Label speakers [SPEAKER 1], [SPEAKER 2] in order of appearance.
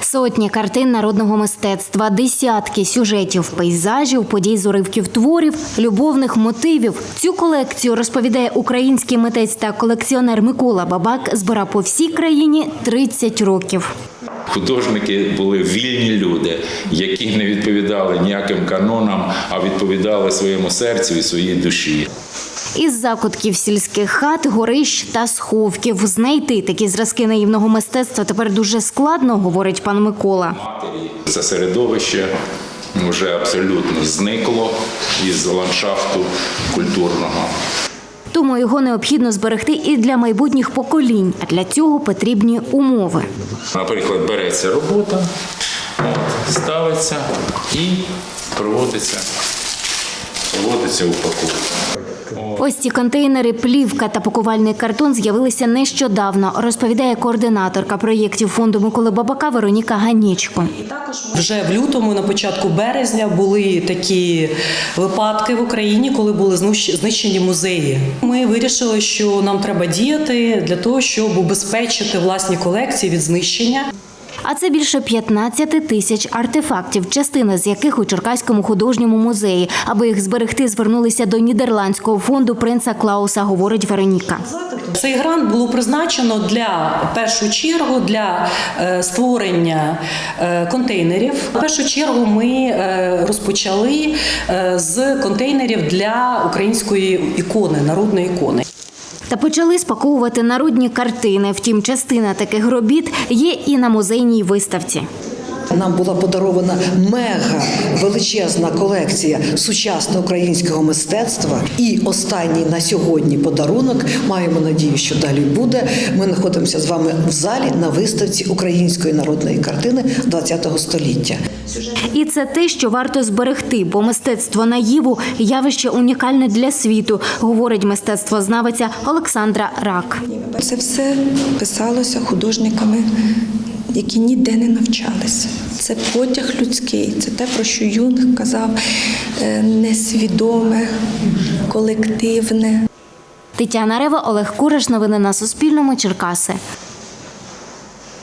[SPEAKER 1] Сотні картин народного мистецтва, десятки сюжетів, пейзажів, подій з уривків творів, любовних мотивів. Цю колекцію, розповідає український митець та колекціонер Микола Бабак, збирав по всій країні 30 років.
[SPEAKER 2] Художники були вільні люди, які не відповідали ніяким канонам, а відповідали своєму серцю і своїй душі.
[SPEAKER 1] Із закутків сільських хат, горищ та сховків знайти такі зразки наївного мистецтва тепер дуже складно, говорить пан Микола.
[SPEAKER 2] Це середовище вже абсолютно зникло із ландшафту культурного.
[SPEAKER 1] Тому його необхідно зберегти і для майбутніх поколінь, а для цього потрібні умови.
[SPEAKER 2] Наприклад, береться робота, ставиться і проводиться упаковка.
[SPEAKER 1] Ось ці контейнери, плівка та пакувальний картон з'явилися нещодавно, розповідає координаторка проєктів фонду Миколи Бабака Вероніка Ганічко.
[SPEAKER 3] Вже в лютому, на початку березня, були такі випадки в Україні, коли були знищені музеї. Ми вирішили, що нам треба діяти для того, щоб убезпечити власні колекції від знищення.
[SPEAKER 1] А це більше 15 тисяч артефактів, частина з яких у Черкаському художньому музеї. Аби їх зберегти, звернулися до нідерландського фонду принца Клауса, говорить Вероніка.
[SPEAKER 3] Цей грант було призначено в першу чергу для створення контейнерів. В першу чергу ми розпочали з контейнерів для української ікони, народної ікони.
[SPEAKER 1] Та почали спаковувати народні картини. Втім, частина таких робіт є і на музейній виставці.
[SPEAKER 4] Нам була подарована мега величезна колекція сучасного українського мистецтва. І останній на сьогодні подарунок, маємо надію, що далі буде. Ми знаходимося з вами в залі на виставці української народної картини ХХ століття.
[SPEAKER 1] І це те, що варто зберегти, бо мистецтво наїву – явище унікальне для світу, говорить мистецтвознавиця Олександра Рак.
[SPEAKER 5] Це все писалося художниками, які ніде не навчалися. Це потяг людський, це те, про що Юнг казав, несвідоме, колективне.
[SPEAKER 1] Тетяна Рева, Олег Кураш. Новини на Суспільному. Черкаси.